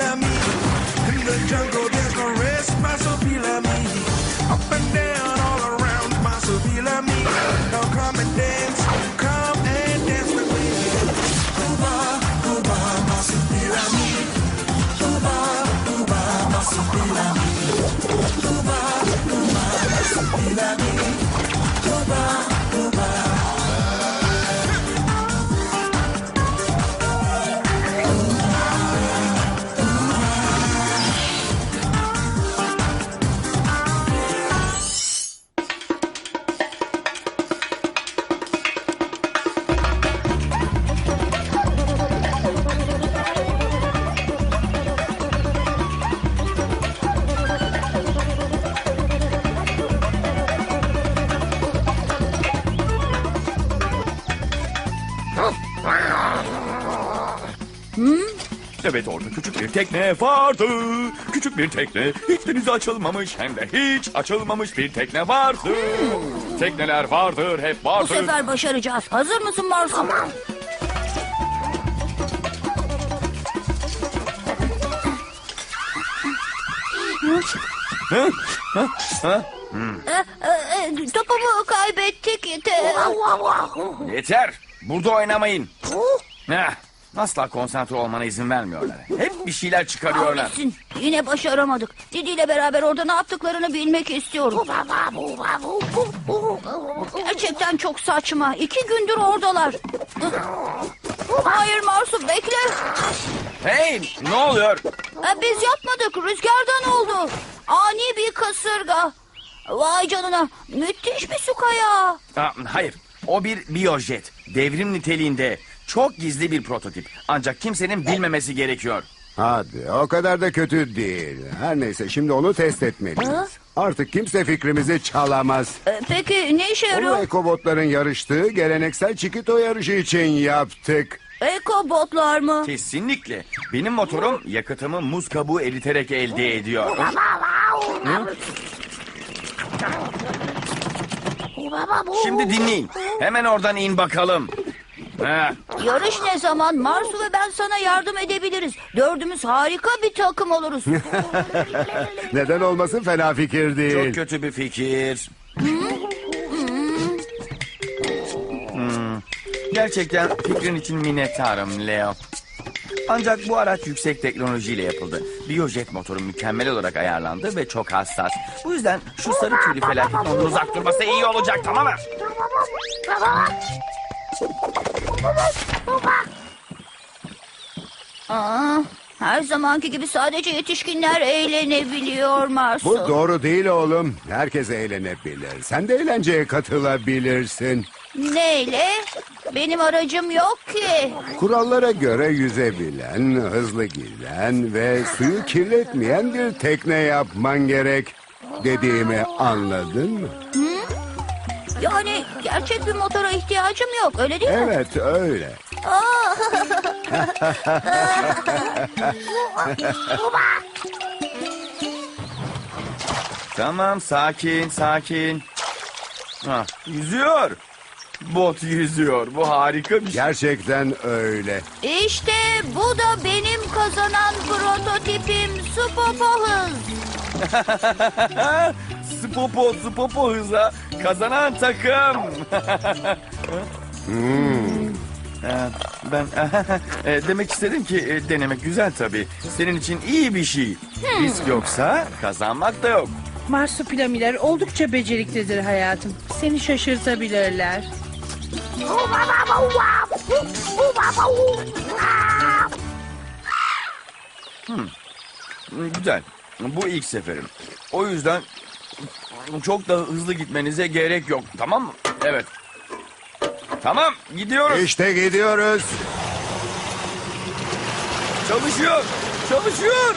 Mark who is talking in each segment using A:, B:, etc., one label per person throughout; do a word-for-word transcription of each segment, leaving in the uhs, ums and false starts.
A: marsupilami. In the jungle there's no rest, marsupilami. Up and down all around, marsupilami. Now come and dance, come and dance with me. Cuba, Cuba, marsupilami. Cuba, Cuba, marsupilami. Cuba, Cuba, marsupilami. Cuba, Cuba.
B: Evet, orada küçük bir tekne vardı. Küçük bir tekne, hiç denize açılmamış hem de hiç açılmamış bir tekne vardı. Tekneler vardır, hep
C: Bu
B: vardır.
C: sefer başaracağız. Hazır mısın Marsu? Tamam.
B: Hı? Hı? Hı?
C: E, e, topumu kaybettik. Te-
B: Yeter, burada oynamayın. Heh, asla konsantre olmana izin vermiyorlar. Hep bir şeyler çıkarıyorlar.
C: Kahretsin. Yine başaramadık. Didi ile beraber orada ne yaptıklarını bilmek istiyorum. Gerçekten çok saçma. İki gündür oradalar. Hayır Marsu, bekle.
B: Hey, ne oluyor?
C: E, Biz yapmadık. Rüzgardan oldu. Ani bir kasırga. Vay canına. Müthiş bir su kayağı.
B: Aa, hayır, o bir biyojet. Devrim niteliğinde. Çok gizli bir prototip. Ancak kimsenin bilmemesi gerekiyor.
D: Hadi, o kadar da kötü değil. Her neyse, şimdi onu test etmeliyiz.
C: Ha?
D: Artık kimse fikrimizi çalamaz.
C: E, Peki ne işe
D: Onu
C: yarıyor?
D: ekobotların yarıştığı geleneksel çikito yarışı için yaptık.
C: Ekobotlar mı?
B: Kesinlikle. Benim motorum yakıtımı muz kabuğu eriterek elde ediyor. Hı? Şimdi dinleyin. Hemen oradan in bakalım. Ha,
C: Yarış ne zaman? Marsu ve ben sana yardım edebiliriz. Dördümüz harika bir takım oluruz.
D: Neden olmasın, fena fikir
B: çok
D: değil.
B: kötü bir fikir. Hmm, Gerçekten fikrin için minnettarım Leo. Ancak bu araç yüksek teknolojiyle yapıldı. Biyojet motoru mükemmel olarak ayarlandı ve çok hassas. Bu yüzden şu sarı tüylü felaketin ondan uzak durması iyi olacak, tamam mı?
C: Aa, her zamanki gibi sadece yetişkinler eğlenebiliyor Marsu.
D: Bu doğru değil oğlum. Herkes eğlenebilir. Sen de eğlenceye katılabilirsin.
C: Neyle? Benim aracım yok ki.
D: Kurallara göre yüzebilen, hızlı giden ve suyu kirletmeyen bir tekne yapman gerek. Dediğimi anladın mı?
C: Yani gerçek bir motora ihtiyacım yok, öyle değil mi?
D: Evet, öyle.
B: Tamam, sakin, sakin. Ha, yüzüyor. Bot yüzüyor. Bu harika bir şey.
D: Gerçekten öyle.
C: İşte bu da benim kazanan prototipim Spopo Hız.
B: Spopo, Spopo hıza kazanan takım.
D: Hmm.
B: Ee, Ben e, demek istedim ki e, denemek güzel tabii. Senin için iyi bir şey. Risk yoksa kazanmak da yok.
E: Marsupilamiler oldukça beceriklidir hayatım. Seni şaşırtabilirler.
B: Hmm, Güzel. Bu ilk seferim. O yüzden çok da hızlı gitmenize gerek yok. Tamam mı? Evet. Tamam, gidiyoruz.
D: İşte gidiyoruz.
B: Çalışıyor. Çalışıyor.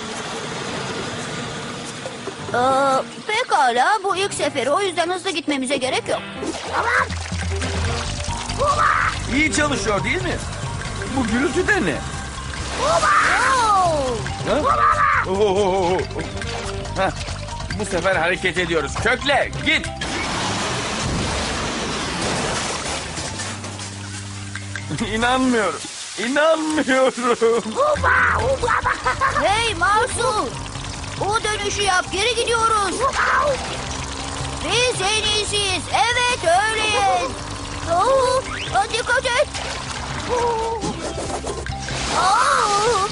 C: Ee, pekala, bu ilk seferi, o yüzden hızlı gitmemize gerek yok.
B: İyi çalışıyor değil mi? Bu gürültü de ne?
C: Oo!
B: Ha? Oo. Heh, Bu sefer hareket ediyoruz. Kökle, git. İnanmıyorum. İnanmıyorum.
C: Hey Marsu! O dönüşü yap, geri gidiyoruz. Biz en iyisiyiz. Evet, öyleyiz. Oo, dikkat et. Aa!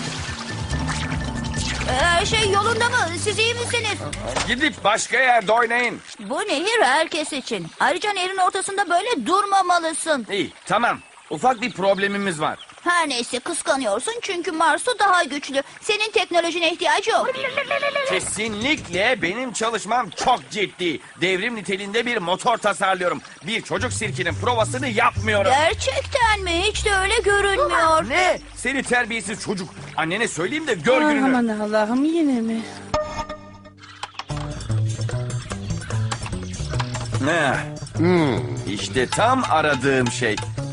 C: Her şey yolunda mı? Siz iyi misiniz?
B: Gidip başka yerde oynayın.
C: Bu nehir herkes için. Ayrıca nehrin ortasında böyle durmamalısın.
B: İyi, tamam. Ufak bir problemimiz var.
C: Her neyse kıskanıyorsun çünkü Marsu daha güçlü. Senin teknolojine ihtiyacı yok.
B: Kesinlikle benim çalışmam çok ciddi. Devrim niteliğinde bir motor tasarlıyorum. Bir çocuk sirkinin provasını yapmıyorum.
C: Gerçekten mi? Hiç de öyle görünmüyor.
B: Ne? Seni terbiyesiz çocuk. Annene söyleyeyim de gör
E: Ah,
B: gününü.
E: aman Allah'ım, yine mi?
B: Ne? İşte tam aradığım şey.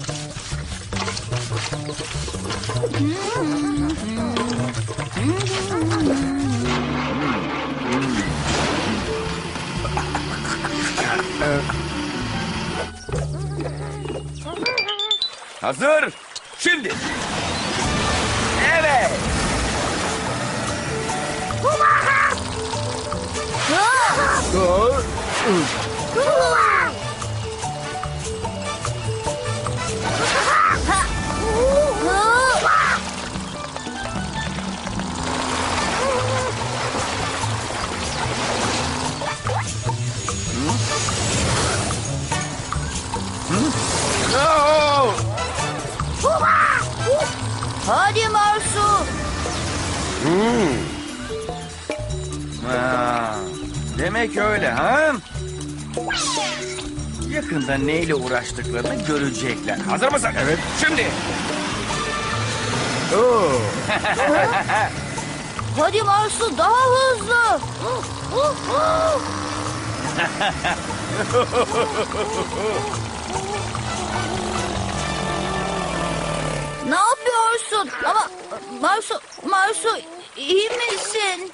B: Hazır. Şimdi. Evet. Oo!
C: Hadi Marsu.
B: Ha, demek öyle ha? Yakında neyle uğraştıklarını görecekler. Hazır mısın? Evet. Şimdi.
D: Oo.
C: Hadi Marsu daha hızlı. Ne yapıyorsun? Ama Marsu, Marsu iyi misin?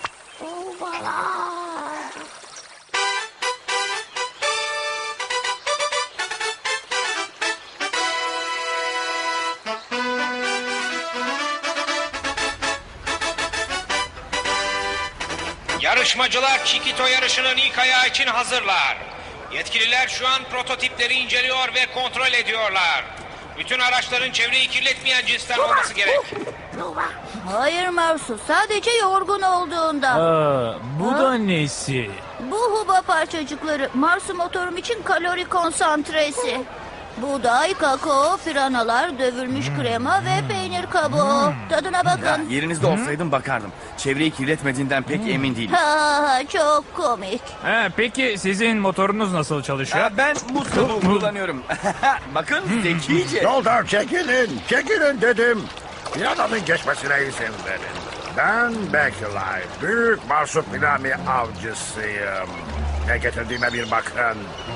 F: Yarışmacılar Chiquito yarışının ilk ayağı için hazırlar. Yetkililer şu an prototipleri inceliyor ve kontrol ediyorlar. Bütün araçların çevreyi kirletmeyen cinsten olması gerek.
C: Hayır Marsu, sadece yorgun olduğunda.
G: Aa, bu da nesi?
C: Bu huba parçacıkları Marsu motorum için kalori konsantresi. Buğday, kakao, piranalar, dövülmüş krema ve peynir kabuğu. Tadına
B: Ya,
C: bakın.
B: yerinizde olsaydım bakardım. Çevreyi kirletmediğinden pek emin değilim.
C: Ha, çok komik.
G: Ha, peki sizin motorunuz nasıl çalışıyor?
B: Ya, ben bu kabuğu kullanıyorum. Bakın zekice.
H: Yoldan çekilin, çekilin dedim. Bir adamın geçmesine izin verin. Ben Bakelite, büyük marsupilami avcısıyım. Ne getirdiğime bir bakın.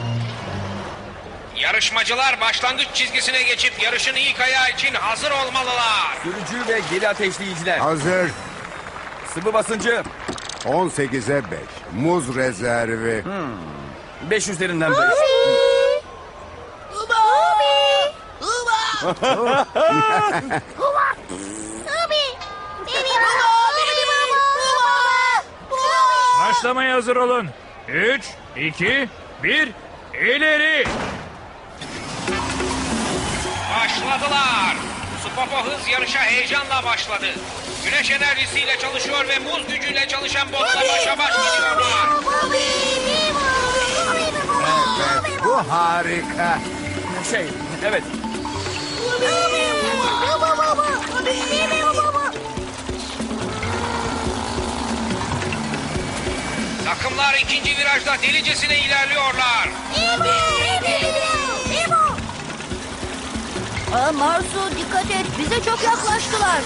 F: Yarışmacılar başlangıç çizgisine geçip yarışın ilk ayağı için hazır olmalılar.
B: Sürücü ve geri ateşleyiciler.
D: Hazır.
B: Sıvı basıncı.
D: on sekize beş. Muz rezervi.
B: beş üzerinden beş.
G: Başlamaya hazır olun. Üç, iki, bir, ileri.
F: Başladılar. Spopo hız yarışa heyecanla başladı. Güneş enerjisiyle çalışıyor ve muz gücüyle çalışan botla başa baş gidiyorlar.
D: Evet, bu harika.
B: Şey, evet.
F: Takımlar ikinci virajda delicesine ilerliyorlar.
C: Aa, Marsu dikkat et, bize çok yaklaştılar.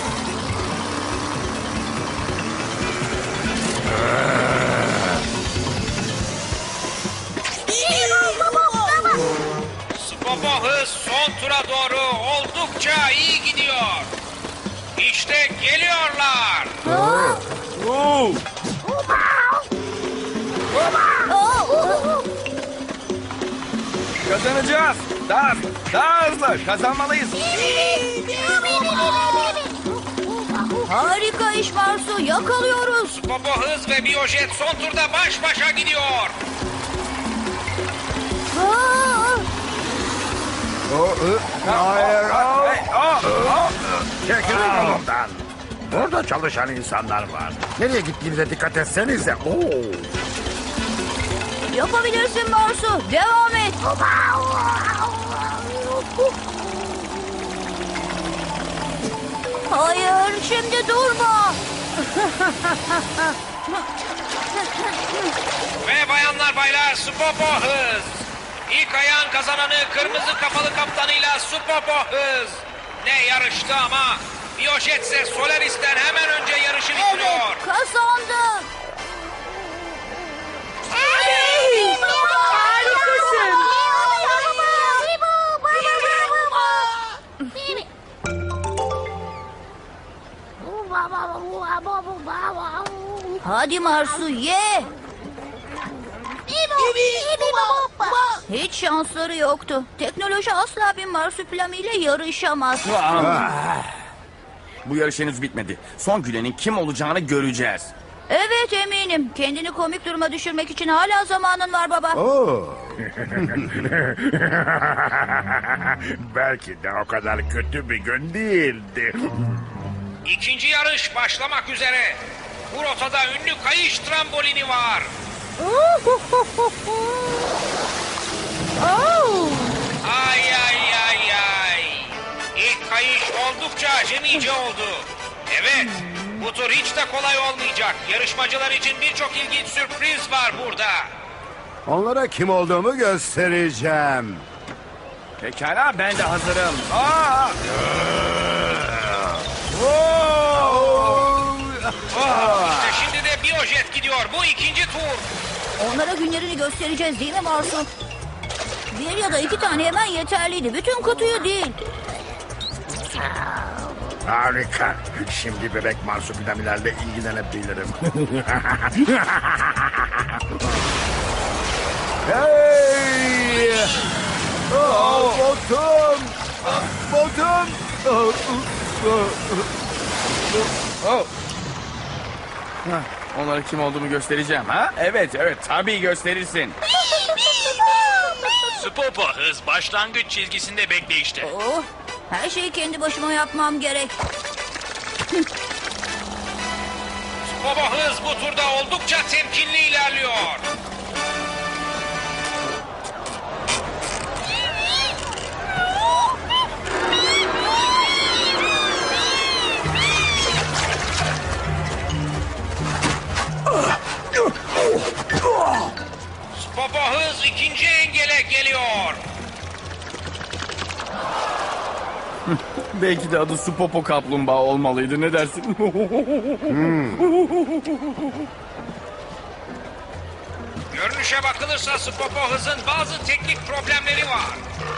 F: Spopo hız son tura doğru oldukça iyi gidiyor. İşte geliyorlar.
B: Oo!
C: Aa,
B: Kazanacağız. Daha hızlı, daha hızlı. Kazanmalıyız.
C: Harika iş Marsu. Yakalıyoruz.
F: Popo Hız ve Biyojet son turda baş başa gidiyor.
C: Aa!
D: Hayır.
B: Hey, aa, aa.
H: Çekilin yolumdan. Burada çalışan insanlar var. Nereye gittiğinize dikkat etsenize. Oo.
C: Yapabilirsin Marsu. Devam et. Hayır, şimdi durma.
F: Ve bayanlar baylar Supopo Hız. İlk ayağın kazananı kırmızı kafalı kaptanıyla Supopo Hız. Ne yarıştı ama Biyojet ise Solaris'ten hemen önce yarışı bitiriyor.
C: Evet, kazandık.
E: Harikasın.
C: Hadi Marsu ye. Hiç şansları yoktu. Teknoloji asla bir marsupilami ile yarışamaz.
B: Bu yarış henüz bitmedi. Son gülenin kim olacağını göreceğiz.
C: Evet eminim. Kendini komik duruma düşürmek için hala zamanın var baba.
D: Oo.
H: Belki de o kadar kötü bir gün değildi.
F: İkinci yarış başlamak üzere. Bu rotada ünlü kayış trambolini var. Ay ay ay ay. İlk kayış oldukça acemice oldu. Evet, bu tur hiç de kolay olmayacak. Yarışmacılar için birçok ilginç sürpriz var burada.
D: Onlara kim olduğumu göstereceğim.
B: Pekala, ben de hazırım. Aa!
F: İşte şimdi de Biyojet gidiyor. Bu ikinci tur.
C: Onlara günlerini göstereceğiz değil mi Marsu? Bir ya da iki tane hemen yeterliydi. Bütün kutuyu değil.
H: Harika. Şimdi bebek marsupilamilerle ilgilenebilirim.
D: Hey! Oh, botum! Botum! Oh,
B: Oh. Hah, onlara kim olduğumu göstereceğim ha? Evet, evet, tabii gösterirsin.
G: Supopo Hız başlangıç çizgisinde bekleyişte.
C: Oh, her şeyi kendi başıma yapmam gerek.
F: Baba Hız bu turda oldukça temkinli ilerliyor. Baba Hız ikinci engele geliyor.
B: Belki de adı Supopo kaplumbağa olmalıydı, ne dersin?
F: Görünüşe bakılırsa Supopo Hız'ın bazı teknik problemleri var.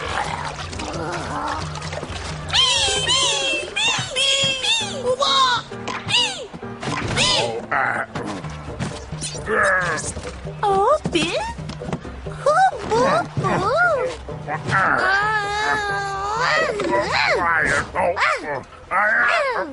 C: Oh, bir. Hu, bu, bu.
H: Hayır. Oh, oh. Hayır.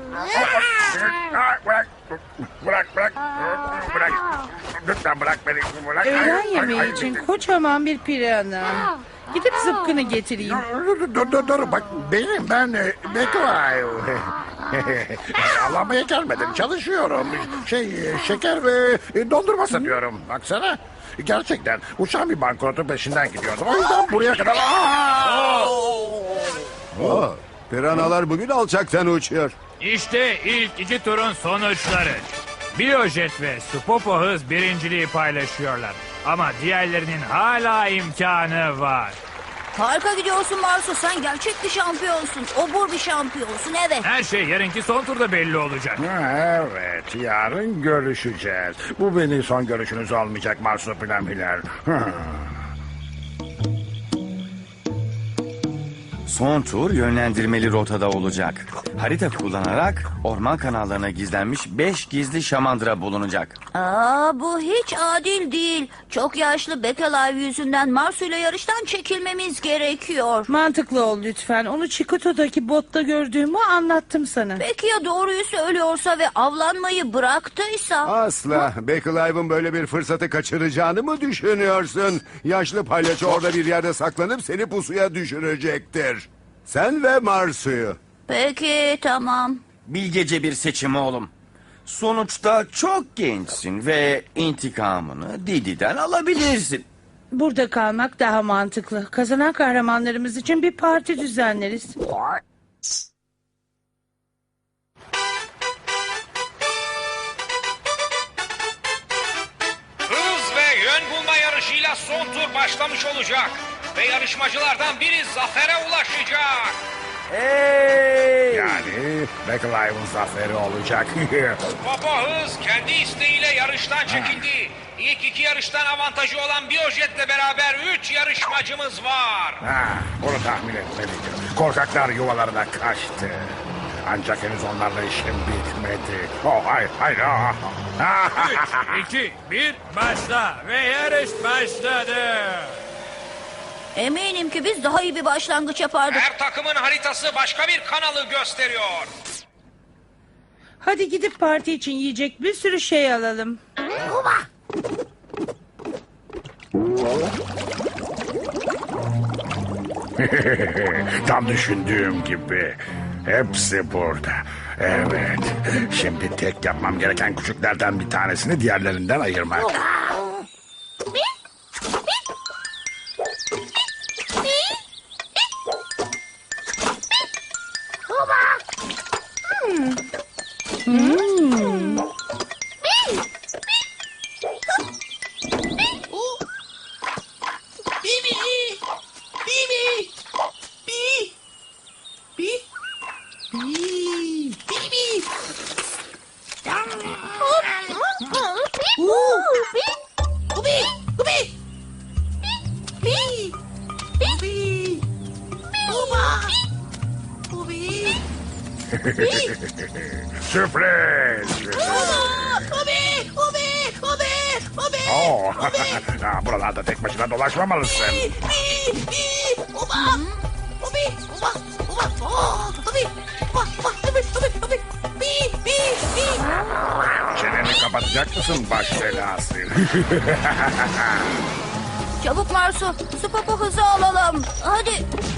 H: Bırak. Bırak, bırak. Bırak. Lütfen bırak beni. Bırak.
E: Öğlen yemeği için kocaman bir pirana. Gidip zıpkını getireyim.
H: Dur, dur, dur. Bak benim, ben e, Beklay. Avlanmaya gelmedim. Çalışıyorum. Şey, e, şeker ve e, dondurma satıyorum. Baksana. Gerçekten uçan bir bankrotun peşinden gidiyordum. O yüzden buraya kadar... Aa!
D: oh. Piranalar bugün alçaktan uçuyor.
G: İşte ilk iki turun sonuçları. Biyojet ve Supopo Hız birinciliği paylaşıyorlar. Ama diğerlerinin hala imkanı var.
C: Harika gidiyorsun Marsu. Sen gerçek bir şampiyonsun. Obur bir şampiyonsun, evet.
G: Her şey yarınki son turda belli olacak.
H: Ha, evet, yarın görüşeceğiz. Bu benim son görüşünüz olmayacak marsupilamiler.
B: Son tur yönlendirmeli rotada olacak. Harita kullanarak orman kanallarına gizlenmiş beş gizli şamandıra bulunacak.
C: Aa, bu hiç adil değil. Çok yaşlı Bekalive yüzünden Marsu ile yarıştan çekilmemiz gerekiyor.
E: Mantıklı ol lütfen. Onu Çikoto'daki botta gördüğümü anlattım sana.
C: Peki ya doğruyu söylüyorsa ve avlanmayı bıraktıysa?
D: Asla. Bekalive'ın böyle bir fırsatı kaçıracağını mı düşünüyorsun? Yaşlı palyaço orada bir yerde saklanıp seni pusuya düşürecektir. Sen ve Marsu'yu.
C: Peki tamam.
B: Bilgece bir seçim oğlum. Sonuçta çok gençsin ve intikamını Didi'den alabilirsin.
E: Burada kalmak daha mantıklı. Kazanan kahramanlarımız için bir parti düzenleriz.
F: Hız ve yön bulma yarışıyla son tur başlamış olacak. Ve yarışmacılardan biri zafere ulaşacak.
B: Hey!
H: Yani Bekalive'ın zaferi olacak.
F: Popo Hız kendi isteğiyle yarıştan çekildi. İlk iki yarıştan avantajı olan Biyojet'le beraber üç yarışmacımız var.
H: ha, bunu tahmin etmeliydim. Korkaklar yuvalarına kaçtı. Ancak henüz onlarla işim bitmedi. Oh hayır hayır. ah.
G: üç, iki, bir, başla ve yarış başladı.
C: Eminim ki biz daha iyi bir başlangıç yapardık.
F: Her takımın haritası başka bir kanalı gösteriyor.
E: Hadi gidip parti için yiyecek bir sürü şey alalım.
H: Tam düşündüğüm gibi. Hepsi burada. Evet. Şimdi tek yapmam gereken küçüklerden bir tanesini diğerlerinden ayırmak. Sürpriz! Oo, ha, buralarda tek başına dolaşmamalısın. Çeneni kapatacak mısın baş belası?
C: Çabuk Marsu, su popo hızı alalım. Hadi.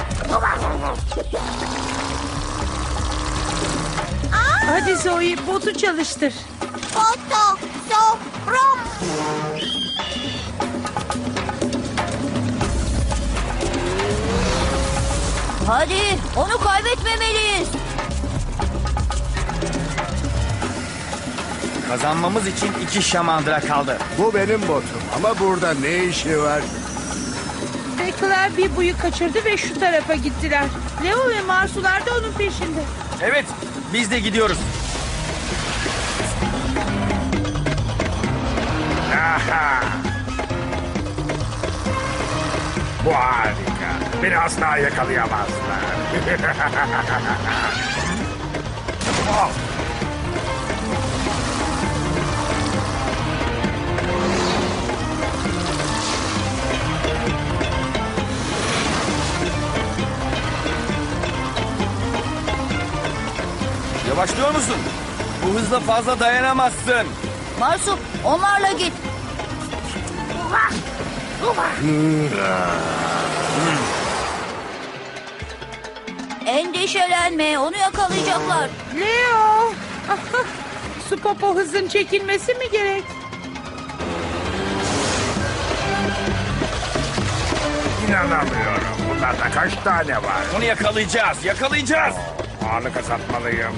E: Hadi Zoe botu çalıştır.
C: Foto, sofram. Hadi, onu kaybetmemeliyiz.
B: Kazanmamız için iki şamandıra kaldı.
D: Bu benim botum ama burada ne işi var?
E: Bekler bir buyu kaçırdı ve şu tarafa gittiler. Leo ve Marsular da onun peşinde.
B: Evet, biz de gidiyoruz.
H: Aha! Bu harika. Beni asla yakalayamazlar. Oh!
B: Yavaşlıyor musun? Bu hızla fazla dayanamazsın.
C: Marsu, onlarla git. Endişelenme, onu yakalayacaklar.
E: Leo! Su popo hızın çekilmesi mi gerek?
H: İnanamıyorum. Bunlarda kaç tane var?
B: Onu yakalayacağız, yakalayacağız.
H: Ağırlık azaltmalıyım.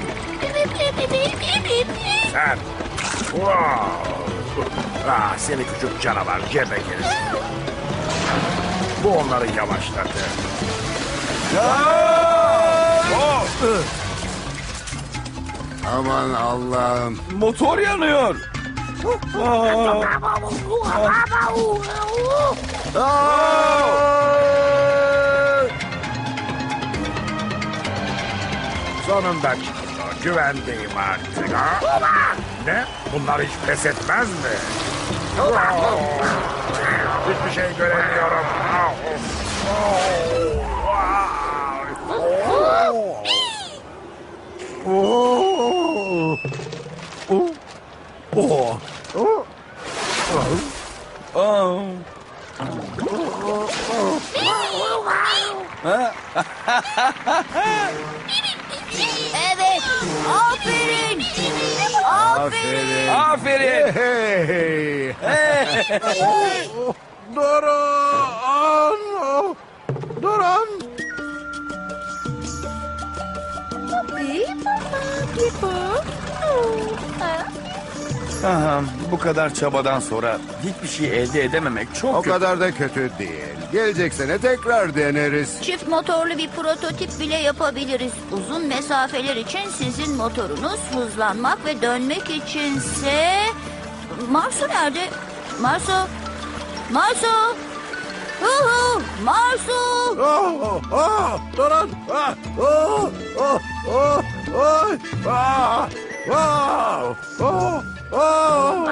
H: Sen. Wow. Ah, seni küçük canavar cebekeriz. Bu onları yavaşladı.
B: Oh!
D: Aman Allah'ım.
B: Motor yanıyor. Aa! Aa!
H: Sonunda çıktı. Güvendeyim artık. Ha? Ne? Bunlar hiç pes etmez mi? Hiçbir şey göremiyorum.
B: Oh.
C: Evet. Aferin. Aferin.
B: Aferin.
D: Hey! Durun! Durun!
B: Aha, bu kadar çabadan sonra hiçbir şey elde edememek çok
D: O
B: kötü.
D: kadar da kötü değil. Gelecek sene tekrar deneriz.
C: Çift motorlu bir prototip bile yapabiliriz. Uzun mesafeler için sizin motorunuz, hızlanmak ve dönmek içinse... Marsu nerede? Marsu? Marsu? Hu hu! Marsu!
D: Oh, oh, durun! Ah, oh, oh, oh, oh, ah, oh, oh, oh.